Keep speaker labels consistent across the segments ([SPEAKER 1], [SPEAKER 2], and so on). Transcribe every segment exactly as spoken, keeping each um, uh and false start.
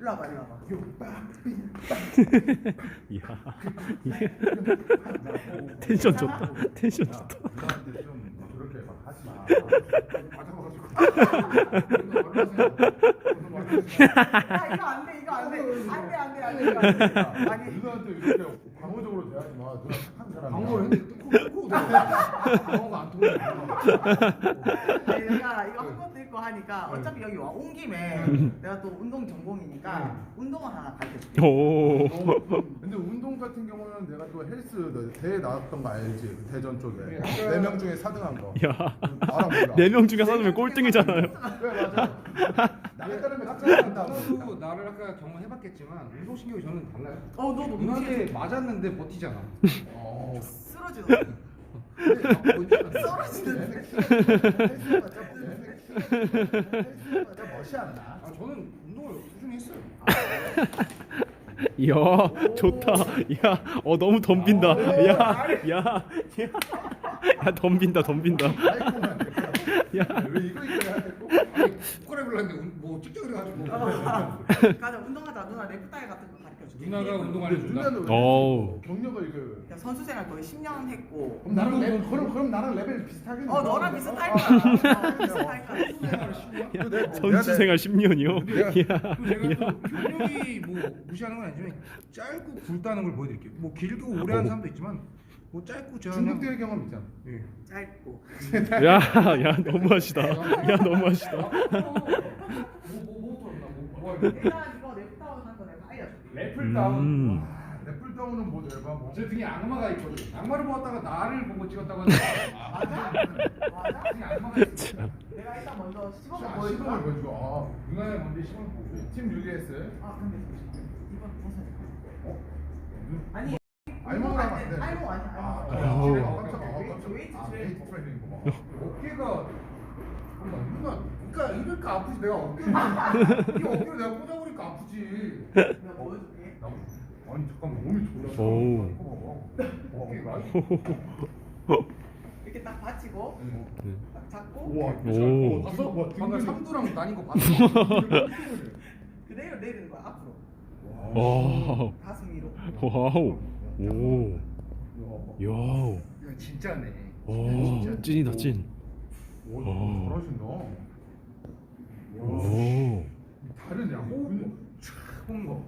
[SPEAKER 1] 와봐 일로 와봐.
[SPEAKER 2] 이야 이게 텐션 좋다. 텐션 좋다.
[SPEAKER 3] 누나한테 좀 그렇게 막 하지 마. 맞아가지고.
[SPEAKER 1] 야 이거 안 돼, 이거 안 돼, 안 돼, 안 돼, 안 돼, 이거 안 돼. 아니
[SPEAKER 3] 누나한테 이렇게 방어적으로 대하지 마. 누나 착한 사람이야.
[SPEAKER 4] 방어를 했는데 뚫고 뚫고 방어가 안 통해.
[SPEAKER 1] 아니, 내가 이거 한 것도 있고 하니까 어차피 여기 와 온 김에 내가 또 운동 전공이니까 운동을 하나 가르쳐줄게.
[SPEAKER 2] 오.
[SPEAKER 3] 근데 운동 같은 경우는 내가 또 헬스 대회 나왔던 거 알지? 대전 쪽에 네 명 중에 사 등 한 거.
[SPEAKER 2] 야.
[SPEAKER 3] 알아 몰라?
[SPEAKER 2] 네 명 중에 사람이 꼴등이잖아요.
[SPEAKER 3] 그래 맞아. 나에 따르면 깜짝한다.
[SPEAKER 4] 누나도 나를 아까 경험해봤겠지만 운동신경이 저는 달라요.
[SPEAKER 1] 어 너도
[SPEAKER 4] 누나한테 맞았는데 버티잖아.
[SPEAKER 3] 어.
[SPEAKER 1] 쓰러지는
[SPEAKER 3] 떨어지는 헬스가 멋이 안 나.
[SPEAKER 4] 아 저는 운동을 꾸준히 했어요.
[SPEAKER 2] 이야 좋다. 야, 어 너무 덤빈다. 야, 야, 야, 야 덤빈다, 덤빈다.
[SPEAKER 3] 야, 왜 이거 이거 해야 되고?
[SPEAKER 4] 아니 국가를 불렀는데 뭐 찍자 그래가지고.
[SPEAKER 1] 가자 운동하자. 누나 넥타이 같은 거 가르쳐줄게.
[SPEAKER 4] 누나가 운동 안 해준다.
[SPEAKER 3] 누나는
[SPEAKER 2] 어우.
[SPEAKER 3] 경력을 이거.
[SPEAKER 1] 야, 선수 생활 거의 십 년 했고.
[SPEAKER 3] 그럼 나랑 레벨 그럼 그럼 나랑 레벨 비슷하겠네.
[SPEAKER 1] 어 너랑 비슷할 거야. 어, 비슷할 거야.
[SPEAKER 2] 야, 선수 생활 십 년이요? 야,
[SPEAKER 4] 또 제가 또 경력이 뭐 무시하는 건 아니지만 짧고 굵다는 걸 보여드릴게요. 뭐 길고 오래 하는 사람도 있지만 뭐 짧고 저
[SPEAKER 3] 중국 대회 경험 있잖아.
[SPEAKER 4] 예.
[SPEAKER 1] 짧고.
[SPEAKER 2] 야, 야 너무하시다. 야 너무하시다.
[SPEAKER 4] 뭐뭐뭐
[SPEAKER 1] 일단 이거 넥타이 한거 내가 알려줄게.
[SPEAKER 4] 래플 다운.
[SPEAKER 2] 음.
[SPEAKER 3] 래플 다운은 뭐 내가 뭐.
[SPEAKER 4] 제 등에 악마가 있거든. 악마를 보았다가 나를 보고 찍었다고 하는데
[SPEAKER 1] 맞아? 맞아?
[SPEAKER 4] 등에 악마가 있어.
[SPEAKER 1] 내가 일단 먼저 시범을
[SPEAKER 3] 아,
[SPEAKER 1] 보여줄까?
[SPEAKER 3] 시범을 보여주고. 아,
[SPEAKER 4] 누나의 먼저 시범을 보고.
[SPEAKER 3] 팀 유리에스.
[SPEAKER 1] 아 근데 잠시만. 이번 벗어야 돼.
[SPEAKER 3] 어?
[SPEAKER 1] 아니.
[SPEAKER 3] 알몸을 하면 안 돼.
[SPEAKER 1] 알몸 아니야.
[SPEAKER 3] 아,
[SPEAKER 1] 알몸.
[SPEAKER 2] 오.
[SPEAKER 3] 아, 깜짝아. 아, 깜짝아.
[SPEAKER 1] 웨이트
[SPEAKER 3] 아,
[SPEAKER 1] 트레이닝.
[SPEAKER 3] 웨이트 트레이닝 뭐.
[SPEAKER 4] 어깨가 잠깐만, 누나 그러니까 이럴까 아프지 내가 어깨를 이 어깨를 내가 꽂아버리니까 아프지.
[SPEAKER 1] 내가 보여줄게.
[SPEAKER 3] 나 아니 잠깐만 몸이 졸라.
[SPEAKER 2] 오.
[SPEAKER 3] 어깨가.
[SPEAKER 1] 이렇게 딱 받치고 딱 잡고
[SPEAKER 3] 우와.
[SPEAKER 2] 오.
[SPEAKER 3] 봤어? 와,
[SPEAKER 4] 방금
[SPEAKER 3] 등근이-
[SPEAKER 4] 삼두랑 나뉜 거 봤어.
[SPEAKER 1] 그대로 내리는 거야 앞으로.
[SPEAKER 2] 와우.
[SPEAKER 1] 가슴 위로.
[SPEAKER 2] 와우. 오. 야.
[SPEAKER 4] 이거 진짜네.
[SPEAKER 2] 오. 찐이다 찐.
[SPEAKER 3] 오,
[SPEAKER 2] 오.
[SPEAKER 3] 잘하신다.
[SPEAKER 2] 오.
[SPEAKER 3] 다른 야 호흡.
[SPEAKER 4] 본 거.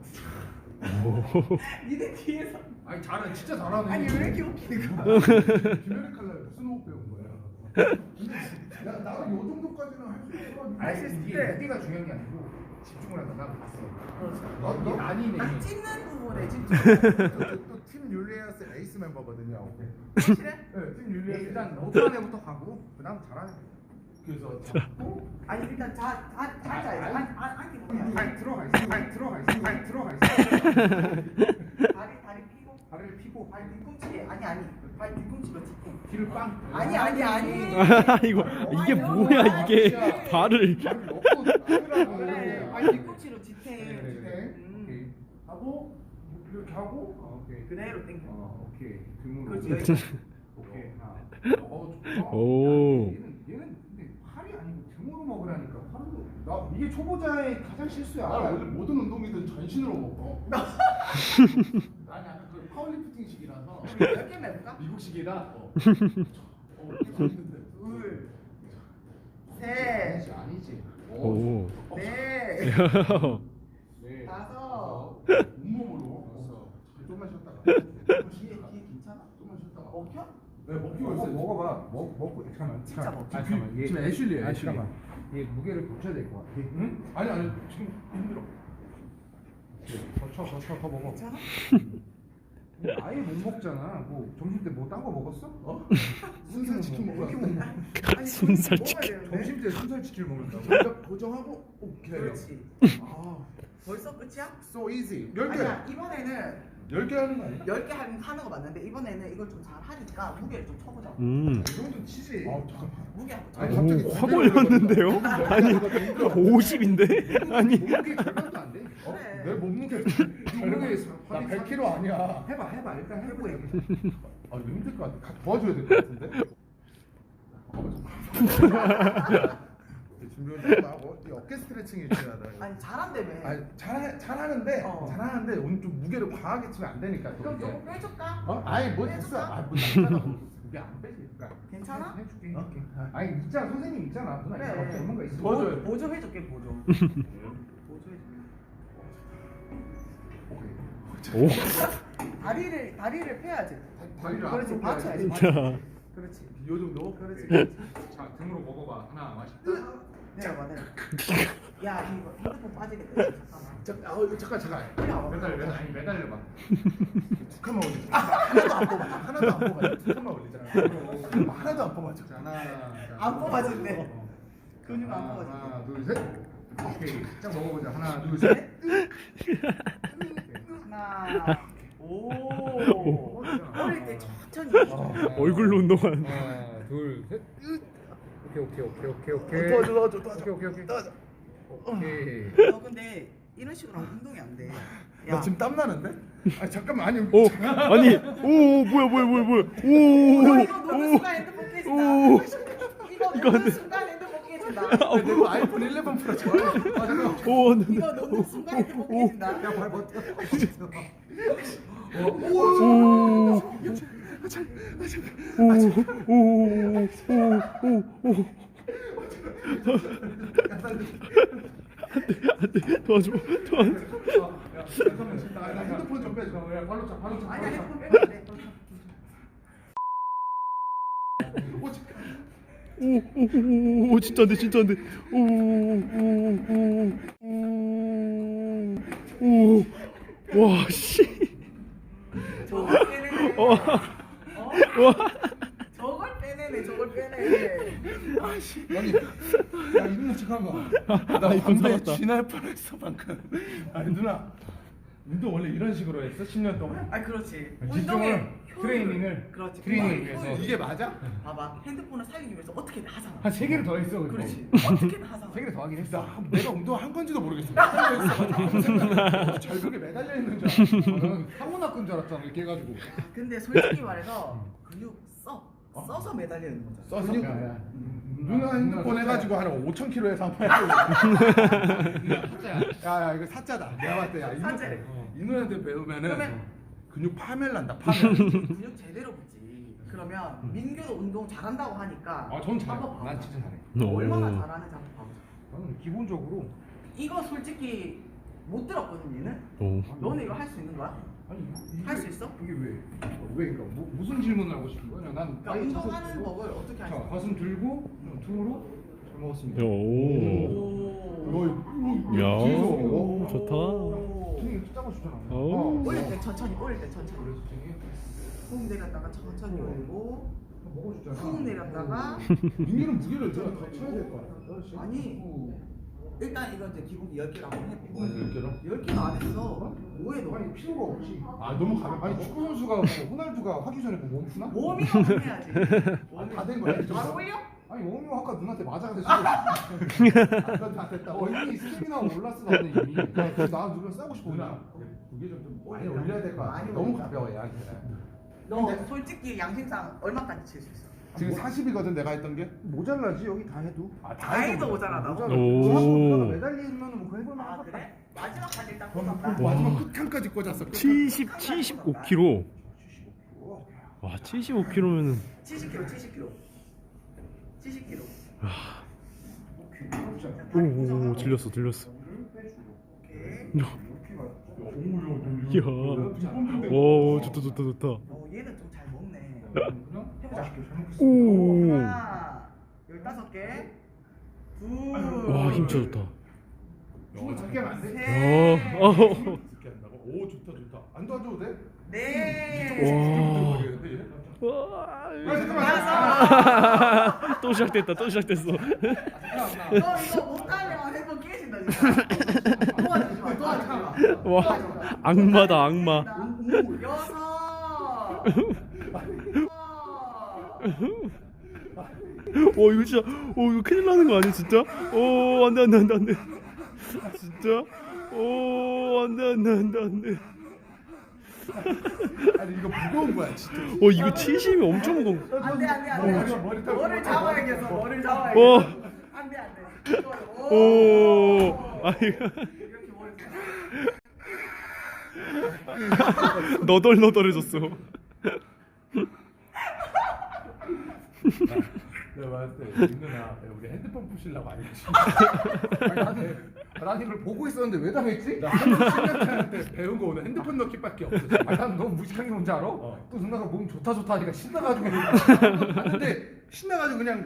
[SPEAKER 1] 니네 뒤에서.
[SPEAKER 4] 아니 잘해 진짜 잘하네.
[SPEAKER 1] 아니 왜 이렇게 웃기는 거야?
[SPEAKER 3] 김혜리 칼날 무슨 호흡 배운 거야? 나 나는 요 정도까지는 할 수 있어.
[SPEAKER 1] 알수 있을
[SPEAKER 4] 이게
[SPEAKER 1] 때.
[SPEAKER 4] 무게가 중요한 게 아니고 집중을 하다가 봤어.
[SPEAKER 3] 너
[SPEAKER 4] 이게
[SPEAKER 3] 너.
[SPEAKER 4] 아니네.
[SPEAKER 1] 딱 찍는 부분에 집중.
[SPEAKER 3] 또팀 율리아스 에이스 멤버거든요.
[SPEAKER 1] 확실해?
[SPEAKER 3] 네, 팀 율리아스
[SPEAKER 4] 일단 못하는 애부터 가고 그다음 잘하는 애.
[SPEAKER 3] 그래서 잡고
[SPEAKER 1] 아니 일단 자, 자, 앉아야지. 안, 안, 앉기보다.
[SPEAKER 4] 발 들어가 있어. 발 들어가 있어. 발 들어가 있어.
[SPEAKER 1] 다리, 다리 피고.
[SPEAKER 4] 발을 피고
[SPEAKER 1] 발 뒤꿈치. 아니, 아니. 발 뒤꿈치로 짚고.
[SPEAKER 4] 뒤를 빵.
[SPEAKER 1] 아니, 아니, 아니.
[SPEAKER 2] 이거 이게 뭐야 이게 발을.
[SPEAKER 4] 발을 넣고 하더라고.
[SPEAKER 1] 그래, 발 뒤꿈치로 지탱.
[SPEAKER 4] 네.
[SPEAKER 1] 음.
[SPEAKER 4] 오케이.
[SPEAKER 3] 하고 이렇게 하고
[SPEAKER 4] 어, 오케이.
[SPEAKER 1] 그대로 당겨.
[SPEAKER 4] 어, 오케이. 등으로.
[SPEAKER 1] 그렇지, 여기까지.
[SPEAKER 4] 오케이. 하나.
[SPEAKER 3] 어 좋다.
[SPEAKER 2] 오.
[SPEAKER 4] 얘는 얘는 근데 팔이 아니고 등으로 먹으라니까. 팔로. 나 이게 초보자의 가장 실수야.
[SPEAKER 3] 나 원래 모든 운동이든 전신으로 먹어. 아니 약간 그 파워리프팅식이라서
[SPEAKER 1] 몇 개만 해볼까?
[SPEAKER 3] 미국식이라. 어. 어, 이거 있는데.
[SPEAKER 1] 둘, 셋,
[SPEAKER 4] 아니지 아니지.
[SPEAKER 2] 오.
[SPEAKER 1] 넷,
[SPEAKER 4] 네.
[SPEAKER 1] 다섯.
[SPEAKER 3] 온몸으로.
[SPEAKER 4] 됐어.
[SPEAKER 3] 좀만 쉬었다가.
[SPEAKER 1] 뒤에, 뒤에 괜찮아?
[SPEAKER 3] 좀만 쉬었다가.
[SPEAKER 1] 먹혀?
[SPEAKER 3] 네 먹기가
[SPEAKER 4] 먹어
[SPEAKER 3] 있어요.
[SPEAKER 4] 먹어봐. 먹 먹고 잠깐만.
[SPEAKER 1] 진짜
[SPEAKER 4] 잠깐만.
[SPEAKER 1] 먹자.
[SPEAKER 4] 아, 잠깐만. 얘-
[SPEAKER 3] 지금 애슐리예요,
[SPEAKER 4] 아니,
[SPEAKER 3] 애슐리.
[SPEAKER 4] 잠깐만. 얘 무게를 붙여야 될 것 같아.
[SPEAKER 3] 응? 아니 아니 지금 힘들어.
[SPEAKER 4] 더쳐 더쳐 더 먹어.
[SPEAKER 1] 괜찮아?
[SPEAKER 4] 아예 못 먹잖아. 뭐 점심 때 뭐 딴 거 먹었어?
[SPEAKER 3] 어? 순살 치킨 먹어.
[SPEAKER 1] 이렇게 먹나? 아니,
[SPEAKER 2] 순살
[SPEAKER 1] 먹어야
[SPEAKER 2] 치킨.
[SPEAKER 1] 되는데.
[SPEAKER 4] 점심 때 순살치킨 먹는다고?
[SPEAKER 3] 먼저 고정하고 오케이.
[SPEAKER 1] 그렇지.
[SPEAKER 3] 아,
[SPEAKER 1] 벌써 끝이야?
[SPEAKER 3] so easy. 열 개.
[SPEAKER 1] 아니야, 이번에는
[SPEAKER 3] 열 개 하는 거 아니야?
[SPEAKER 1] 열 개 하는 거 맞는데 이번에는 이걸 좀 잘 하니까 무게를 좀 쳐보자.
[SPEAKER 2] 음.
[SPEAKER 4] 이 정도 치지.
[SPEAKER 3] 아 잠깐만.
[SPEAKER 1] 무게 한번 쳐.
[SPEAKER 3] 아니, 갑자기
[SPEAKER 2] 오, 확 올렸는데요? 아니 오십인데? 아니.
[SPEAKER 4] 몸무게 절반도 안 돼.
[SPEAKER 3] 어?
[SPEAKER 1] 그래.
[SPEAKER 3] 내 몸무게
[SPEAKER 4] 몸무게
[SPEAKER 3] 나 백 킬로그램 아니야.
[SPEAKER 4] 해봐 해봐 일단 해보고 얘기해.
[SPEAKER 3] 아 이거 힘들 것 같아. 같이 도와줘야 될 것 같은데. 어, 잠깐만. 준비 운동 하고 이 어깨 스트레칭이 중요하다.
[SPEAKER 1] 아니 잘한다며.
[SPEAKER 3] 아니 잘 잘하는데
[SPEAKER 1] 어.
[SPEAKER 3] 잘하는데 오늘 좀 무게를 과하게 치면 안 되니까. 또
[SPEAKER 1] 그럼
[SPEAKER 3] 이게.
[SPEAKER 1] 조금 빼줄까?
[SPEAKER 3] 어? 아니 뭐 됐어.
[SPEAKER 1] 빼줄까?
[SPEAKER 3] 아뭐 남자가 무게 안 빼지. 그러니까.
[SPEAKER 1] 괜찮아?
[SPEAKER 4] 해줄게.
[SPEAKER 3] 어?
[SPEAKER 4] 해줄게. 아니 있잖아 선생님 있잖아. 누나
[SPEAKER 1] 그래.
[SPEAKER 4] 이거 없는 거 있어.
[SPEAKER 3] 도와줘요.
[SPEAKER 1] 보- 보조 해줄게 보조. 보조 해줄게.
[SPEAKER 2] 오.
[SPEAKER 1] 다리를 다리를 펴야지.
[SPEAKER 3] 다리를
[SPEAKER 1] 그렇지
[SPEAKER 3] 앞으로
[SPEAKER 1] 받쳐야지.
[SPEAKER 3] 펴야지.
[SPEAKER 2] 자.
[SPEAKER 1] 그렇지.
[SPEAKER 3] 요 정도?
[SPEAKER 1] 그렇지.
[SPEAKER 4] 자 등으로 먹어봐. 하나 맛있다.
[SPEAKER 1] 내려봐 내려. 야 이거 핸드폰 빠지겠다. 잠깐만.
[SPEAKER 3] 잠깐, 아, 잠깐, 잠깐.
[SPEAKER 1] 빨리 와봐.
[SPEAKER 4] 매달 매달 아니 매달려봐.
[SPEAKER 3] 두 칸만 올리자. 하나도 안 뽑아. 하나도 안 뽑아. 두 칸만 올리자. 하나도 안 뽑아줘.
[SPEAKER 4] 자 하나. 자,
[SPEAKER 1] 안 뽑아진대.
[SPEAKER 4] 어.
[SPEAKER 1] 근육 안
[SPEAKER 4] 하나,
[SPEAKER 1] 뽑아진대.
[SPEAKER 4] 하나 둘 셋. 오케이. 짝 먹어보자. 하나 둘 셋.
[SPEAKER 1] 하나. 오. 어릴 때 천천히.
[SPEAKER 2] 얼굴로 운동하는.
[SPEAKER 4] 하나 둘 셋. 오케이 오케이 오케이 오케이 오케이.
[SPEAKER 3] 도와줘, 도와줘, 도와줘.
[SPEAKER 4] 오케이 오케이 오케이.
[SPEAKER 3] 도와줘.
[SPEAKER 4] 오케이.
[SPEAKER 1] 너 근데 이런 식으로 하면 운동이 안 돼.
[SPEAKER 3] 나 지금 땀 나는데? 아 잠깐만 아니.
[SPEAKER 2] 오. 아니. 오 뭐야 뭐야 뭐야 뭐야.
[SPEAKER 1] 너 이거
[SPEAKER 2] 오.
[SPEAKER 1] 놓는
[SPEAKER 2] 오.
[SPEAKER 1] 순간 핸드폰 깨진다.
[SPEAKER 2] 오.
[SPEAKER 1] 이거
[SPEAKER 2] 이거 안
[SPEAKER 1] 놓는
[SPEAKER 2] 돼.
[SPEAKER 1] 순간 핸드폰 깨진다.
[SPEAKER 3] 아, 내가 아이폰 일레븐 프로 좋아해. 아 잠깐만.
[SPEAKER 2] 오. 네.
[SPEAKER 1] 이거 놓는 순간 핸드폰 깨진다.
[SPEAKER 3] 야발 버텨.
[SPEAKER 2] 오. 오. 오. 오. 오. 안돼 도와줘 도와줘.
[SPEAKER 3] 야, 잠깐만. 나, 나 핸드폰 좀 빼줘. 야, 발로 차, 발로 차.
[SPEAKER 1] 아니야
[SPEAKER 3] 발로 차.
[SPEAKER 1] 핸드폰 빼면 안 돼.
[SPEAKER 3] 오, 참.
[SPEAKER 2] 오오오오 진짜 안돼 진짜 안돼. 오오오오와 씨.
[SPEAKER 1] 저걸 빼내네.
[SPEAKER 2] 와.
[SPEAKER 1] 어?
[SPEAKER 2] 와.
[SPEAKER 1] 저걸 빼내네. 저걸 빼내.
[SPEAKER 3] 아니, 야 이누나 잠깐만.
[SPEAKER 2] 나 이건
[SPEAKER 3] 담배
[SPEAKER 2] 살았다.
[SPEAKER 3] 쥐날 뻔했어 방금. 아니 누나, 운동 원래 이런 식으로 했어? 십 년 동안?
[SPEAKER 1] 아 그렇지.
[SPEAKER 4] 집중을,
[SPEAKER 1] 운동의 효율을-
[SPEAKER 4] 트레이닝을,
[SPEAKER 1] 그렇지.
[SPEAKER 4] 트레이닝을
[SPEAKER 1] 운동의
[SPEAKER 4] 위해서.
[SPEAKER 1] 효율.
[SPEAKER 3] 이게 맞아?
[SPEAKER 1] 봐봐 핸드폰을 살리기 위해서 어떻게든 하잖아.
[SPEAKER 4] 한 세 개를 더 했어. 근데.
[SPEAKER 1] 그렇지. 어떻게든 하잖아.
[SPEAKER 4] 세 개를 더 하긴 했어.
[SPEAKER 3] 나 한- 내가 운동 한 건지도 모르겠어. 매달려 있어. 절벽에 매달려 있는 줄 알았어.
[SPEAKER 4] 나는 사고 났건 줄 알았잖아. 이렇게 해가지고.
[SPEAKER 1] 근데 솔직히 말해서 근육 써 써서 매달려 있는 거잖아.
[SPEAKER 3] 써서
[SPEAKER 4] 야, 야.
[SPEAKER 3] 누나 핸드폰 해가지고 한 오천 킬로에서 한번 야야 이거 사짜다. 내가 봤을 때 야, 이 누-
[SPEAKER 1] 사짜래.
[SPEAKER 3] 이 누나한테 배우면은
[SPEAKER 1] 그러면-
[SPEAKER 3] 근육 파멸 난다. 파멸.
[SPEAKER 1] 근육 제대로 붙지. 그러면 민규도 운동 잘한다고 하니까
[SPEAKER 4] 아, 전 잘해.
[SPEAKER 1] 한번 봐보자.
[SPEAKER 4] 난 진짜 잘해.
[SPEAKER 2] 오.
[SPEAKER 1] 얼마나 잘하는지 한번 봐보자.
[SPEAKER 4] 나는 기본적으로
[SPEAKER 1] 이거 솔직히 못 들었거든 얘는.
[SPEAKER 2] 오.
[SPEAKER 1] 너는 이거 할 수 있는 거야?
[SPEAKER 4] 아니 이게-
[SPEAKER 1] 할 수 있어?
[SPEAKER 4] 이게 왜? 왜 그러니까 뭐, 무슨 질문을 하고 싶은 거야? 난
[SPEAKER 1] 그러니까
[SPEAKER 4] 아예
[SPEAKER 1] 운동하는
[SPEAKER 4] 자세-
[SPEAKER 1] 법을 어떻게
[SPEAKER 4] 자,
[SPEAKER 1] 하냐?
[SPEAKER 4] 가슴 들고 등으로 잘 먹었습니다.
[SPEAKER 2] 오.
[SPEAKER 1] 오.
[SPEAKER 2] 야.
[SPEAKER 3] 뒤에서.
[SPEAKER 2] 오, 좋다.
[SPEAKER 1] 오.
[SPEAKER 4] 등이 이렇게 작아 주잖아.
[SPEAKER 2] 오.
[SPEAKER 1] 올릴 때 천천히 올릴 때 천천히.
[SPEAKER 4] 그래서 등이
[SPEAKER 1] 훅 내렸다가 천천히 올리고
[SPEAKER 4] 먹어주잖아.
[SPEAKER 1] 훅 내렸다가
[SPEAKER 3] 민규는 무게를 제가 더 쳐야 될 것 같아.
[SPEAKER 1] 아니 일단 이건 이제 기본기 열 개를 한번 해보고
[SPEAKER 3] 열 개로?
[SPEAKER 1] 열 개도 안 했어. 뭐해 너?
[SPEAKER 4] 아니 필요가 없지.
[SPEAKER 3] 아 너무 가볍다.
[SPEAKER 4] 아니 축구 선수가 뭐 호날두가 하기 전에 뭐 멈추나?
[SPEAKER 1] 워밍업 해야지.
[SPEAKER 3] 다 된 거야.
[SPEAKER 1] 바로 올려?
[SPEAKER 4] 아니 워밍업 아까 누나한테 맞아야 돼.
[SPEAKER 3] 아, 다 됐다.
[SPEAKER 4] 어 이미 스텝이나 올랐어 나는 이미. 그래서 나 누나 싸고 싶어.
[SPEAKER 3] 누나 무게 좀 많이 올려야 될 것 같아.
[SPEAKER 1] 많이
[SPEAKER 3] 너무
[SPEAKER 1] 올리자.
[SPEAKER 3] 가벼워 얘한테.
[SPEAKER 1] 너 솔직히 양심상 얼마까지 칠 수 있어?
[SPEAKER 3] 지금 사십이거든 내가 했던 게.
[SPEAKER 4] 모자라지 여기 다 해도.
[SPEAKER 3] 아,
[SPEAKER 1] 다 해도 모자라다.
[SPEAKER 2] 오.
[SPEAKER 4] 매달리면 뭐 해볼 만한
[SPEAKER 1] 아
[SPEAKER 4] 것 같다.
[SPEAKER 1] 그래? 마지막까지 일단 꽂았다.
[SPEAKER 3] 마지막 끝칸까지 꽂았어.
[SPEAKER 2] 칠십 칠십오 킬로그램. 와 칠십오 킬로그램면은
[SPEAKER 1] 칠십 킬로그램, 칠십 킬로그램. 칠 킬로그램.
[SPEAKER 2] 오오 들렸어 들렸어.
[SPEAKER 1] 오케이.
[SPEAKER 2] 이야. 오 좋다 좋다 좋다.
[SPEAKER 1] 어 얘는 좀 잘 먹네. 해보자.
[SPEAKER 2] 오.
[SPEAKER 1] 하나, 열다섯 개. 둘.
[SPEAKER 2] 와 힘 진짜 좋다.
[SPEAKER 3] 어, 작게 하면 안 돼?
[SPEAKER 1] 셋.
[SPEAKER 2] 어. 어.
[SPEAKER 3] 작게 한다고? 오 좋다 좋다. 안 도와줘도 돼?
[SPEAKER 1] 넷.
[SPEAKER 2] 와.
[SPEAKER 1] 다섯.
[SPEAKER 2] 또 시작됐다 또 시작됐어.
[SPEAKER 1] 너 이거 못하면 핸드폰 깨진다 진짜. 도와주지 마. 도와주지 마.
[SPEAKER 2] 와 악마다 악마.
[SPEAKER 1] 여섯.
[SPEAKER 2] 어 이거 진짜 어 이거 큰일 나는 거 아니야 진짜? 어 안돼 안돼 안돼 안돼. 진짜? 어 안돼 안돼 안돼 안돼.
[SPEAKER 3] 아니 이거 무거운 거야 진짜.
[SPEAKER 2] 어 이거 칠십이 엄청 무거운.
[SPEAKER 1] 안돼 안돼 안돼.
[SPEAKER 3] 머리 타-
[SPEAKER 1] 머리를 잡아야겠어. 머리를
[SPEAKER 2] 어.
[SPEAKER 1] 잡아야겠어. 안돼 안돼. 이거
[SPEAKER 2] 오, 아 이거
[SPEAKER 1] 이렇게 머리
[SPEAKER 2] 너덜너덜해졌어.
[SPEAKER 3] 내가 봤을 때 민누나 우리 핸드폰 부시려고 안 했지.
[SPEAKER 4] 아니, 나는 난 이걸 보고 있었는데 왜 당했지?
[SPEAKER 3] 나 한국친한테 배운 거 오늘 핸드폰 넣기밖에 없어.
[SPEAKER 4] 아니 난 너무 무식한 게 뭔지 알아?
[SPEAKER 3] 어.
[SPEAKER 4] 또 누나가 몸 좋다 좋다 하니까 신나가지고 근데 신나가지고 그냥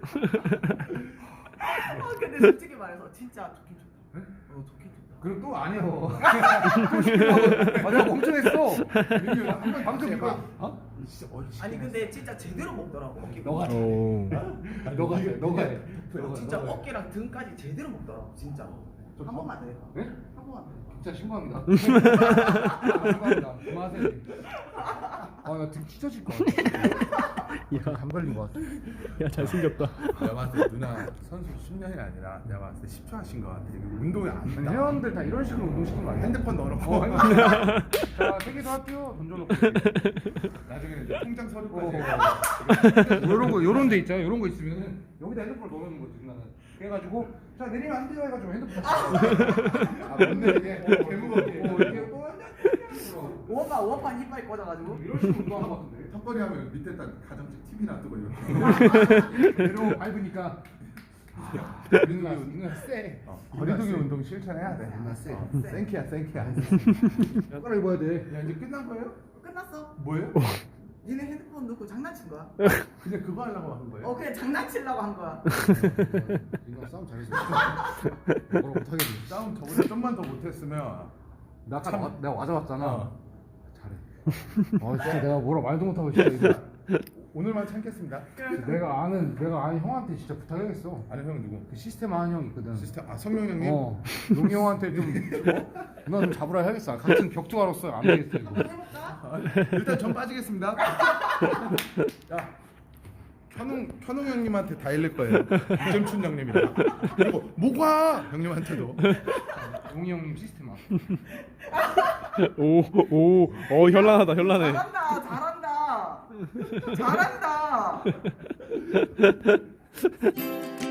[SPEAKER 1] 아 근데 솔직히 말해서 진짜 좋긴 좋다. 어 좋긴 좋다.
[SPEAKER 4] 그리고 또 아니요. 맞아 멍청했어.
[SPEAKER 3] 민누나 한번
[SPEAKER 4] 방금
[SPEAKER 3] 해봐.
[SPEAKER 4] 이거 어?
[SPEAKER 3] 진짜 어이.
[SPEAKER 1] 아니 근데 진짜 제대로 먹더라고 어깨가.
[SPEAKER 4] 너가
[SPEAKER 2] 오,
[SPEAKER 4] 너가 해 너가 해.
[SPEAKER 1] 어, 진짜 어깨랑 등까지 제대로 먹더라고 진짜. 한 번만 더 해.
[SPEAKER 4] 네?
[SPEAKER 1] 한 번만 더 해.
[SPEAKER 4] 진짜 신고합니다. 신고합니다. 그만하세요. 아나 등 찢어질 것 같아.
[SPEAKER 2] 야,
[SPEAKER 4] 감 걸린 것 같아.
[SPEAKER 2] 야 잘생겼다.
[SPEAKER 3] 내가 봤을 때 누나 선수 십 년이 아니라 내가 봤을 때 십 초 하신 것 같아. 이거 운동이 안
[SPEAKER 4] 아니,
[SPEAKER 3] 된다.
[SPEAKER 4] 회원들 다 이런 식으로 운동시키는 거 아니야?
[SPEAKER 3] 핸드폰 넣어놓고
[SPEAKER 4] 어, 자, 세계도 할게요. 던져놓고.
[SPEAKER 3] 나중에 이제 통장 서류까지.
[SPEAKER 4] 요런 거, 요런 데 있잖아. 요런 거 있으면은 여기다 핸드폰을 넣어놓는 거지, 나는. 그래가지고, 자, 내리면 안 돼요. 해가지고 핸드폰.
[SPEAKER 3] 아 뭔데 이게
[SPEAKER 4] 어, 개무겁게. 어, 이렇게 또 앉아.
[SPEAKER 1] 오어파 오어파 이빨 꽂아가지고.
[SPEAKER 4] 이런 식으로 운동하는 것 같은데.
[SPEAKER 3] 턱걸이 하면 밑에 딱 가정집 티비나 뜨고 이렇게.
[SPEAKER 4] 내려 밟으니까. 누나, 누나 쎄.
[SPEAKER 3] 거리두기 운동 실천해야 돼.
[SPEAKER 4] 누나 쎄.
[SPEAKER 3] 어, 생키야 생키야.
[SPEAKER 4] 젓가락 입어야 돼.
[SPEAKER 3] 야 이제 끝난 거예요?
[SPEAKER 1] 끝났어.
[SPEAKER 3] 뭐예요?
[SPEAKER 1] 니네 핸드폰 넣고 장난친 거야?
[SPEAKER 3] 그냥 그거 하려고 하는 거예요?
[SPEAKER 1] 어 그냥 장난치려고 한 거야.
[SPEAKER 4] 이거 싸움 잘했어. 뭐라 못하겠네.
[SPEAKER 3] 싸움 저보다 좀만 더 못했으면
[SPEAKER 4] 나 아까 와- 내가 와잡았잖아.
[SPEAKER 3] 어.
[SPEAKER 4] 잘해. 아 진짜 내가 뭐라 말도 못하고 진짜 이거.
[SPEAKER 3] 오늘만 참겠습니다.
[SPEAKER 4] 내가 아는 내가 아는 형한테 진짜 부탁해야겠어.
[SPEAKER 3] 아니 형 누구?
[SPEAKER 4] 그 시스템 아는 형 있거든.
[SPEAKER 3] 시스템 아 성명 형님?
[SPEAKER 4] 어. 용이 형한테 좀 어? 누나 좀 잡으라 해야겠어. 같은 격투가로서 안 되겠어 이거.
[SPEAKER 1] 한번 해볼까?
[SPEAKER 3] 아, 일단 전 빠지겠습니다. 야 현웅 현웅 형님한테 다 일릴 거예요. 이점춘 형님이랑 그리고 모과 형님한테도.
[SPEAKER 4] 용이 형님 시스템 아.
[SPEAKER 2] 오, 오, 어 현란하다, 현란해.
[SPEAKER 1] 잘한다 잘한다 잘한다.